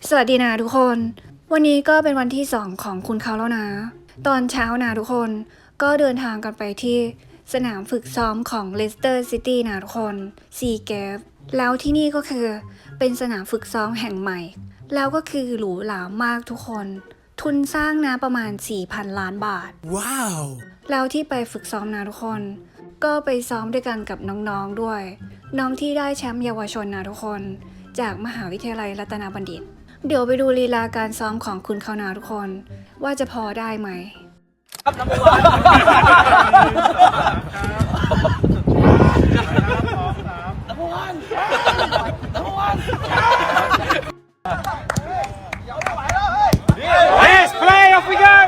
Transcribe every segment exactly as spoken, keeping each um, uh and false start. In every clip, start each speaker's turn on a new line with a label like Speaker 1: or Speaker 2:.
Speaker 1: สวัสดีนะทุกคน วันนี้ก็เป็นวันที่สองของคุณเขาแล้วนะ ตอนเช้านะทุกคนก็เดินทางกันไปที่สนามฝึกซ้อมของเลสเตอร์ซิตี้นะทุกคนซีเกฟแล้วที่นี่ก็คือเป็นสนามฝึกซ้อมแห่งใหม่ แล้วก็คือหรูหรามากทุกคน ทุนสร้างนะประมาณ สี่พัน ล้านบาท
Speaker 2: ว้าว
Speaker 1: แล้วที่ไปฝึกซ้อมนะทุกคน ก็ไปซ้อมด้วยกันกับน้องๆด้วย น้องที่ได้แชมป์เยาวชนนะทุกคน จากมหาวิทยาลัยรัตนบัณฑิต เดี๋ยวไปดูลีลาการซ้อมของคุณเขานาทุกคน ว่าจะพอได้ไหม
Speaker 3: ครับน้ำมันน้ำมัน
Speaker 4: Yes, play, off we go!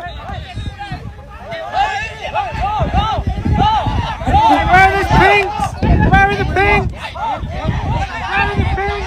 Speaker 4: Where are the pinks? Where are the pinks? Where are the pinks?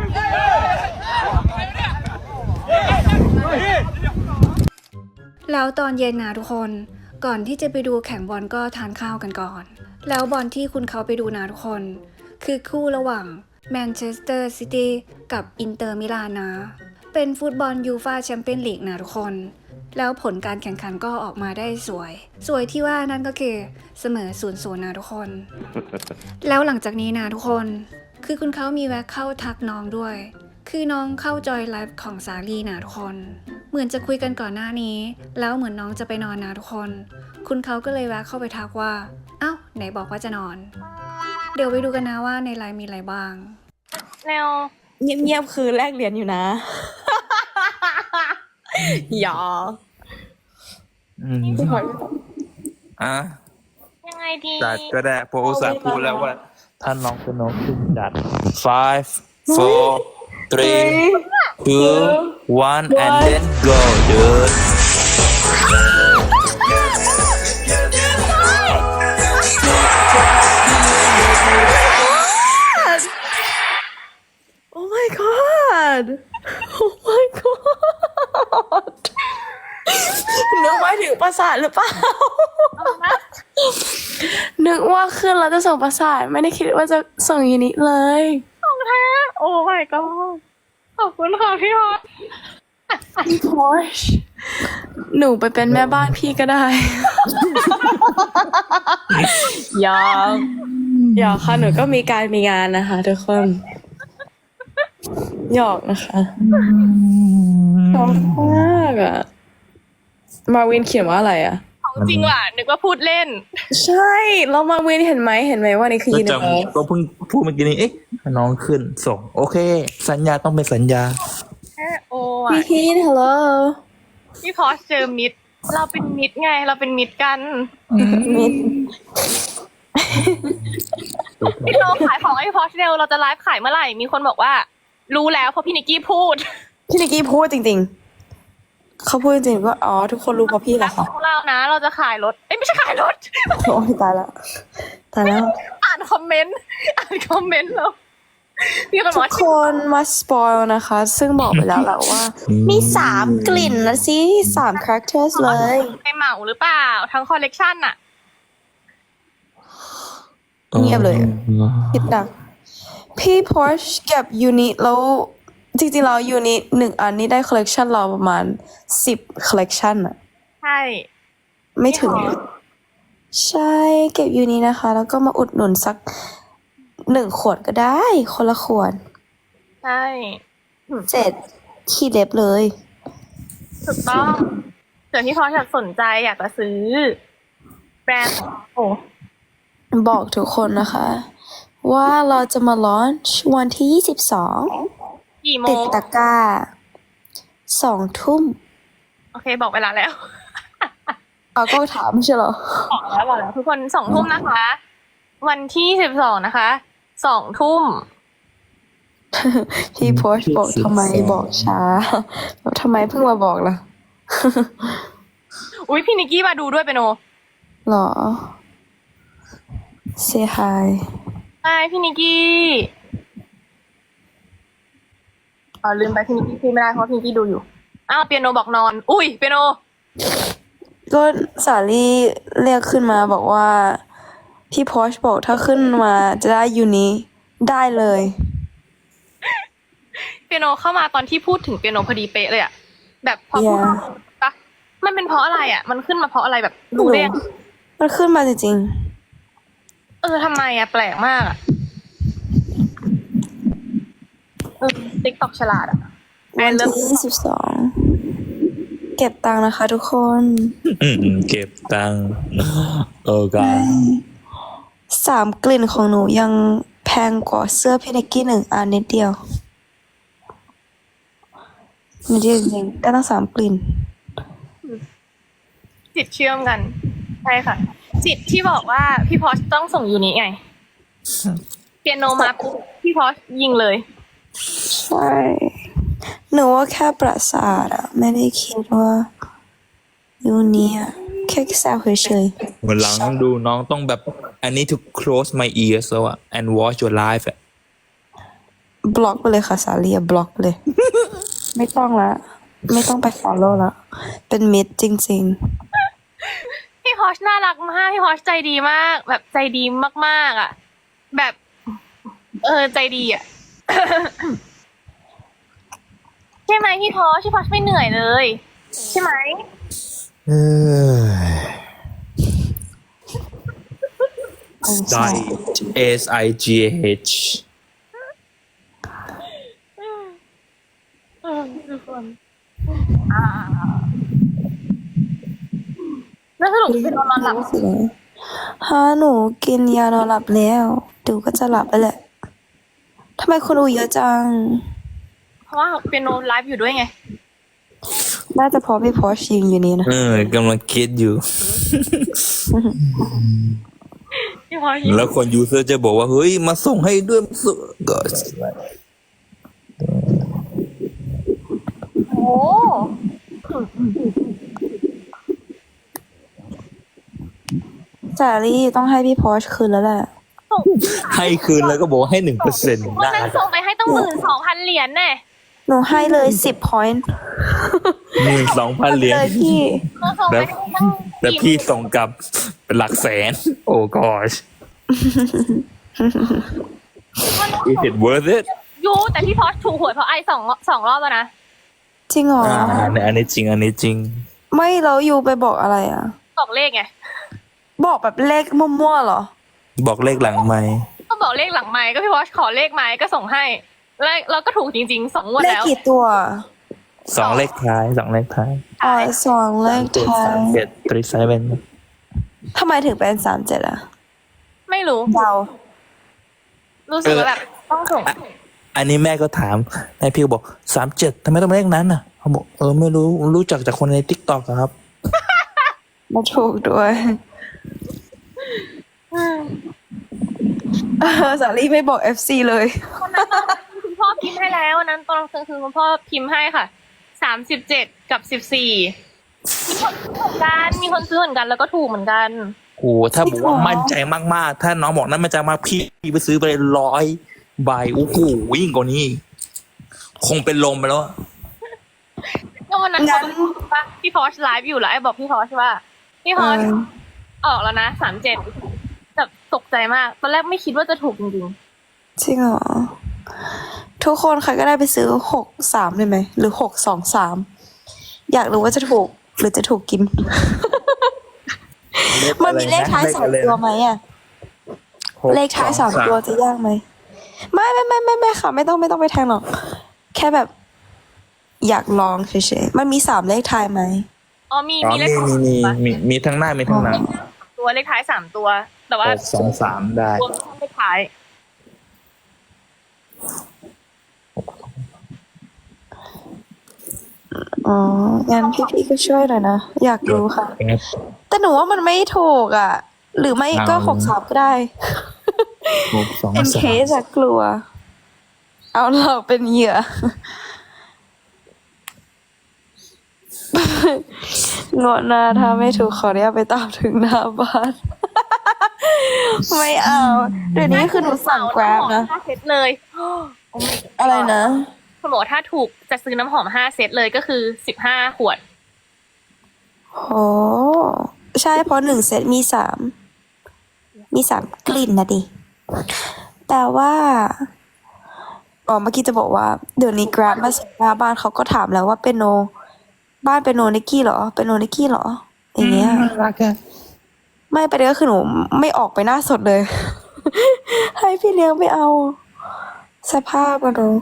Speaker 1: แล้วตอนเย็นนะทุกคน ก่อนที่จะไปดูแข่งบอลก็ทานข้าวกันก่อน แล้วบอลที่คุณเขาไปดูนะทุกคน คือคู่ระหว่างแมนเชสเตอร์ซิตี้กับอินเตอร์มิลานนะ เป็นฟุตบอลยูฟ่าแชมเปี้ยนลีกนะทุกคน แล้วผลการแข่งขันก็ออกมาได้สวย สวยที่ว่านั่นก็คือเสมอศูนย์ศูนย์นะทุกคน แล้วหลังจากนี้นะทุกคน คือคุณเขามีแวะเข้าทักน้องด้วย คือน้องเข้าจอยไลฟ์ของสาลีนะทุกคน เหมือนจะคุยกันก่อนหน้านี้ แล้วเหมือนน้องจะไปนอนนะทุกคน คุณเขาก็เลยแวะเข้าไปทักว่า เอ้าไหนบอกว่าจะนอน เดี๋ยวไปดูกันนะว่าในไลน์มีอะไรบ้าง
Speaker 5: แนว
Speaker 6: เงียบๆคือแลกเหรียญอยู่นะ หยอ
Speaker 7: อืมอ่ะ
Speaker 5: ยังไงดี
Speaker 7: จัดก็ได้เพราะอุตส่าห์พูดแล้วว่าถ้าน้องเป็นน้องขึ้นจัด five four three two one and then go dude
Speaker 6: Oh my god Oh my god นึกว่าถึงประสาทหรือเปล่า นึกว่าขึ้นแล้วจะส่งประสาทไม่ได้คิดว่าจะส่งยูนิเลย
Speaker 5: ของแท้โอ้ my god ขอบคุณค่ะพี่ฮอต
Speaker 6: พี่พอชหนูไปเป็นแม่บ้านพี่ก็ได้ ยอมหยอกค่ะหนูก็มีการมีงานนะคะทุกคนหยอกนะคะชอบมากอะมาวินเขียนว่าอะไรอะ
Speaker 5: ของจริงว่ะนึกว่าพูดเล่น
Speaker 6: ใช่แล้วมาวินเห็นไหมเห็นไหมว่านี่คือ
Speaker 7: ก็
Speaker 6: ยิน
Speaker 7: จำก็เพิ่งพูดเมื่อกี้นี้เอ๊ะน้องขึ้นส่ง โอเค สัญญาต้องเป็นสัญญา
Speaker 5: โอ้
Speaker 6: พี่
Speaker 5: ย
Speaker 6: คิดฮัลโหล
Speaker 5: พี่พอสเจอมิด เราเป็นมิดไง เราเป็นมิดกัน
Speaker 6: มิด
Speaker 5: พี่โตขายของให้พี่พอสเร็วเราจะไลฟ์ขายเมื่อไหร่ มีคนบอกว่า รู้แล้วเพราะพี่นิกกี้พูด
Speaker 6: พี่นิกกี้พูดจริงๆเขาพูดจริงๆว่าอ๋อทุกคนรู้เพราะพี่แหละค่ะ
Speaker 5: ของเรานะ เราจะขายรถ เอ้ยไม่ใช่ขายรถ
Speaker 6: โอ้ยตายแล้วตายแล้ว
Speaker 5: อ่านคอมเมนต์ อ่านคอมเมนต์แล้วมีคนบอก
Speaker 6: ทุก
Speaker 5: ว่า
Speaker 6: คนมาสปอยนะคะ ซึ่งบอกไปแล้วแหละว่า มีสามกลิ่นนะสิสามคาแรคเตอร์เลย
Speaker 5: ไปเหมาหรือเปล่า ทั้งคอลเลกชันอะ
Speaker 6: เงียบเลยอะคิดดังพี่พอชเก็บยูนิตแล้วจริงๆแล้วยูนิตหนึ่งอันนี้ได้คอลเลกชันเราประมาณสิบคอลเลกชันอะ
Speaker 5: ใช่
Speaker 6: ไม่ถึง ใช่เก็บยูนิตนะคะ แล้วก็มาอุดหนุนสักหนึ่งขวดก็ได้ คนละขวด
Speaker 5: ใช่
Speaker 6: เจ็ดขี้เล็บเลย
Speaker 5: ถูกต้องเผื่อพี่พอสอยากสนใจอยากจะซื้อ แบรนด์ของโอ้
Speaker 6: บอกทุกคนนะคะ ว่าเราจะมาลอนช์วันที่ยี่สิบสอง
Speaker 5: กี่โม
Speaker 6: ติด
Speaker 5: ง
Speaker 6: ตะกร้าสองทุ่ม
Speaker 5: โอเคบอกเวลาแล้ว
Speaker 6: เอาก็ถามไม่ใช่เหรอ
Speaker 5: บอกแล้วบอกแล้วทุกคนสองทุ่มนะคะ วันที่สิบสองนะคะสองทุ่ม
Speaker 6: พี่โพสต์บอกทำไมบอกช้าแล้วทำไมเพิ่งมาบอกล่ะ
Speaker 5: อุ้ยพี่นิกกี้มาดูด้วยเปนโน
Speaker 6: หรอ say hi
Speaker 5: ใช่พี่นิกกี้อ๋อลืมไปพี่นิกกี้พูดไม่ได้เพราะพี่นิกกี้ดูอยู่อ้าวเปียโนบอกนอน อุ้ยเปียโน
Speaker 6: ก็สาลี่เรียกขึ้นมาบอกว่า พี่โพสต์บอกถ้าขึ้นมาจะได้ยูนี้ได้เลย
Speaker 5: เปียโนเข้ามาตอนที่พูดถึงเปียโนพอดีเป๊ะเลยอะแบบพอพูด
Speaker 6: Yeah
Speaker 5: ปะมันเป็นเพราะอะไรอะมันขึ้นมาเพราะอะไรแบบรู้ได้ยัง
Speaker 6: มันขึ้นมาจริง
Speaker 5: เออทำไมอะแปลกมากอะเออติ๊กตอกฉลาดอะ
Speaker 6: ๆ วันที่ยี่สิบสองเก็บตังค์นะคะทุกคน
Speaker 7: อืมเก็บตังค์เออกา
Speaker 6: สามกลิ่นของหนูยังแพงกว่าเสื้อพี่นิกกี้หนึ่งอันนิดเดียวนิดเดียวจริงๆได้ตั้งสามกลิ่น
Speaker 5: จิตเชื่อมกันใช่ค่ะ จิตที่บอกว่าพี่พอชต้องส่งยูนิไงเปียโนมาปุ๊บพี่พอชยิงเลย
Speaker 6: ใช่ หนูว่าแค่ประสาทอะไม่ได้คิดว่ายูนี้อะแค่แซวเฉย
Speaker 7: วันหลังดูน้องต้องแบบ I need to close my ears แล้วอะ and watch your live อะ
Speaker 6: ๆบล็อกไปเลยค่ะสาลีบล็อกไปเลย ไม่ต้องละ ไม่ต้องไป follow ละ เป็นมิดจริง
Speaker 5: พี่พอชน่ารักมากพี่พอชใจดีมาก แบบใจดีมากๆอ่ะ แบบ เออใจดีอ่ะ ใช่ไหมพี่พอชพี่พอชไม่เหนื่อยเลย ใช่ไหม
Speaker 7: เออ
Speaker 6: ๆ
Speaker 7: Sight S I G H
Speaker 5: เออทุกคนอ่าแล้วสรุปเป็นนอนหลับ
Speaker 6: ฮะหนูกินยานอนหลับแล้วดูก็จะหลับไปแหละทำไมคนอูเยอะจัง
Speaker 5: เพราะว่าเปียโนไลฟ์อยู่ด้วยไง
Speaker 6: น่าจะเพราะพี่พอชยิงอยู่นี่นะ
Speaker 7: เออกำลังคิดอยู่
Speaker 5: พี่พอชยิง
Speaker 7: แล้วคนยูเซอร์จะบอกว่า เฮ้ย มาส่งให้ด้วยมาส่งก็
Speaker 5: โอ้
Speaker 6: สาลี่ต้องให้พี่พอชคืนแล้วแหละ
Speaker 5: ส่ง
Speaker 7: ให้คืนแล้วก็บอกว่าให้หนึ่งเปอร์เซ็นต์
Speaker 5: วันนั้นส่งไปให้ตั้งหมื่นสองพันเหรียญแน่
Speaker 6: หนูให้เลยสิบ point
Speaker 7: หมื่นสองพันเหรียญ
Speaker 6: เลยพี่
Speaker 5: เราส่งไปให้ตั้ง
Speaker 7: แล้วพี่ส่งกลับเป็นหลักแสน โอ้ gosh is it worth it
Speaker 5: ยูแต่พี่พอชถูกหวยเพราะไอสองสองรอบแล้วนะ
Speaker 6: จริงเหรอ
Speaker 7: อ่าอันนี้จริง อันนี้จริง
Speaker 6: ไม่แล้วยูไปบอกอะไรอ่ะ
Speaker 5: บอกเลขไง
Speaker 6: บอกแบบเลขมั่วๆเหรอ
Speaker 7: บอกเลขหลังไหมค์
Speaker 5: ก็บอกเลขหลังไม้ก็พี่พอชขอเลขไม้ก็ส่งให้แล้วเราก็ถูกจริงๆสองงวด
Speaker 6: เลข
Speaker 5: แล้ว
Speaker 6: กี่ตัว
Speaker 7: สองเลขท้ายสองเลขท้าย
Speaker 6: อ๋อสองเลข
Speaker 7: เจ็ด
Speaker 6: ท้า
Speaker 7: สาย มเจ็ดตรีไซเวน
Speaker 6: ทำไมถึงเป็นสามเจ็ดอ่ะ
Speaker 5: ไม่รู้
Speaker 6: เดา
Speaker 5: รู้สึกว่าแบบต้องส่ง
Speaker 7: อันนี้แม่ก็ถามนายพี่ก็บอกสามเจ็ดทำไมต้องเป็นเลขนั้นน่ะเขาบอกเออไม่รู้รู้จักจากคนในทิกตอกครับ
Speaker 6: มาถูกด้วยเออสาลี่ไม่บอก เอฟ ซี เลย
Speaker 5: วันนั้นตอนคุณพ่อพิมพ์ให้แล้ววันนั้นตอนกลางคืนคุณพ่อพิมพ์ให้ค่ะสามสิบเจ็ดกับสิบสี่มีคนซื้อเหมือนกันมีคนซื้อเหมือนกันแล้วก็ถูกเหมือนกัน
Speaker 7: โอ้ถ้าบอกว่ามั่นใจมากๆ ถ้าน้องบอกนั้นมั่นใจมากพี่ไปซื้อไปร้อยใบโอ้โหยิ่งกว่านี้ คงเป็นลมไปแล้วอะ
Speaker 5: ก็วันนั้น
Speaker 6: งั้น
Speaker 5: ปะพี่พอชไลฟ์อยู่แล้วไอ้บอกพี่พอชว่าพี่พอช
Speaker 6: เออ
Speaker 5: ออกแล้วนะสามเจ็ดแบบตกใจมากตอนแรกไม่คิดว่าจะถูกจริง
Speaker 6: จริงเหรอ ทุกคนใครก็ได้ไปซื้อหกสามได้ไหม หรือหกสองสามอยากรู้ว่าจะถูก หรือจะถูกกิน มันมีเลขท้ายสามตัวไหมอ่ะ เลขท้ายสามตัวจะยากไหม ไม่ไม่ไม่ไม่ไม่ค่ะ ไม่ต้องไม่ต้องไปแทงหรอก แค่แบบ อยากลองเฉยๆ มันมีสามเลขท้ายไหม
Speaker 5: ๆอ๋อมี
Speaker 7: อ๋อ
Speaker 5: มีเล
Speaker 7: มี
Speaker 5: ข
Speaker 7: มีมีมีมีทั้งหน้ามีทั้งหลัง
Speaker 5: ตัวเลขท้ายสามตัว แต่ว่า
Speaker 7: หกสองสามได้
Speaker 5: รวมเลขท้าย
Speaker 6: อ๋อ งั้นพี่ๆก็ช่วยหน่อยนะ อยากรู้ค่ะ แต่หนูว่ามันไม่ถูกอ่ะ หรือไม่ก็
Speaker 7: เอา
Speaker 6: หกสามก็ได้
Speaker 7: หกสอง
Speaker 6: เป็น
Speaker 7: สา
Speaker 6: เค
Speaker 7: ม
Speaker 6: สอะกลัว เอาหลอกเป็นเหยื่อ งวดหน้าถ้าไม่ถูกขอเนี้ยไปตามถึงหน้าบ้าน ไม่เอา เดี๋ยวนี้คือหนูสั่งแกร็บนะ
Speaker 5: ห้าเซตเลย โอ้ my god
Speaker 6: อะไรนะ
Speaker 5: คุณบอกว่าถ้าถูกจะซื้อน้ำหอมห้าเซตเลยก็คือสิบห้าขวด
Speaker 6: โห ใช่เพราะหนึ่งเซตมีสาม มีสามกลิ่นนะดิ แต่ว่าอ๋อเมื่อกี้จะบอกว่าเดี๋ยวนี้ Grab มาส่งหน้าบ้านเขาก็ถามแล้วว่าเป็นโน บ้านเป็นโนนิกกี้เหรอ เป็นโนนิกกี้เหรอ อย่างเงี้ย
Speaker 7: น่ารักอะ
Speaker 6: ไม่ประเด็นก็คือหนูไม่ออกไปหน้าสดเลย ให้พี่เลี้ยงไม่เอา สภาพอะดู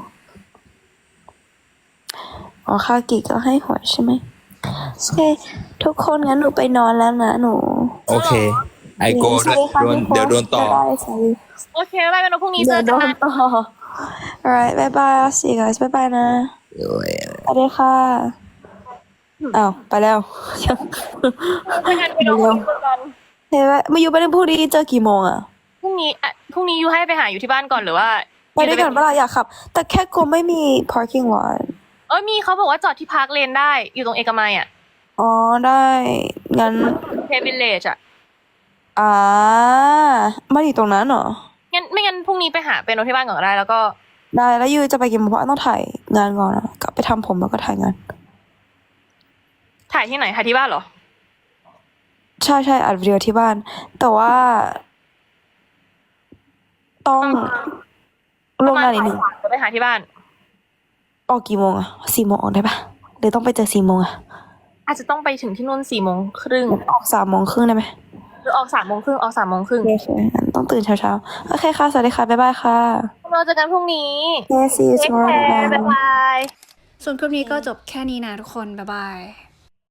Speaker 6: อ๋อคากิก็ให้หวยใช่ไหมโอเคทุกคนงั้นหนูไปนอนแล้วนะหนู
Speaker 7: โอเค ไอโก
Speaker 6: สวัสดีค่ะ
Speaker 7: โดน
Speaker 6: ทุกคน
Speaker 7: เดี๋ยวโดนต่อ
Speaker 6: บ๊ายบายสวัสดี
Speaker 5: โอเคบ๊ายบายเป็นวันพรุ่งนี้เจ
Speaker 6: เดี๋ย
Speaker 5: อ
Speaker 6: วโด
Speaker 5: กัน
Speaker 6: นต่อ alright บ๊ายบาย I'll see you guys บ๊ายบายนะสวัสดีค่ะอ้าวไปแล้ว
Speaker 5: เจอกันเป็นวันพรุ่งนี้เจอกัน
Speaker 6: เฮ้ยมาอยู่ไปในพรุ่งนี้เจอกี่โมงอะ
Speaker 5: พรุ่งนี้อ่ะพรุ่งนี้ยูให้ไปหาอยู่ที่บ้านก่อนหรือว่า
Speaker 6: ไปด้วยกันเวลาอยากขับ แต่แค่กลัวไม่มี parking lot
Speaker 5: เอ้ยมีเขาบอกว่าจอดที่พาร์คเลนได้อยู่ตรงเอกมัยอ่ะ
Speaker 6: อ๋อได้งั้น
Speaker 5: เทวิลเลจอ่ะ
Speaker 6: อ่ามันอยู่ตรงนั้นเหรอ
Speaker 5: งั้นไม่งั้นพรุ่งนี้ไปหาเป็นโนที่บ้านก่อนก็ได้แล้วก็
Speaker 6: ได้แล้วยูจะไปกี่โมงเพราะว่าต้องถ่ายงานก่อนนะกลับไปทำผมแล้วก็ถ่ายงาน
Speaker 5: ถ่ายที่ไหนถ่ายที่บ้านเหรอ
Speaker 6: ใช่ใช่อัดวิดีโอที่บ้าน แต่ว่า ต้องลงงานนิดหนึ่ง
Speaker 5: จะไปหาที่บ้าน
Speaker 6: ออกกี่โมงอะสี่โมงออกได้ปะหรือต้องไปเจอสี่โมงอะ
Speaker 5: อาจจะต้องไปถึงที่นู่นสี่โมงครึ่ง
Speaker 6: ออกสามโมงครึ่งได้ไหม
Speaker 5: หรือออกสามโมงครึ่งออกสามโมงครึ่ง
Speaker 6: โอเคงั้นต้องตื่นเช้าๆโอเคค่ะสวัสดีค่ะบ๊ายบายค่ะ
Speaker 5: เราเจอกันพรุ่งนี้
Speaker 6: Yeah, see you
Speaker 5: เทค
Speaker 6: tomorrow
Speaker 5: แคร์บ๊ายบาย
Speaker 1: ส่วนคลิปนี้ก็จบแค่นี้นะทุกคน บ๊ายบาย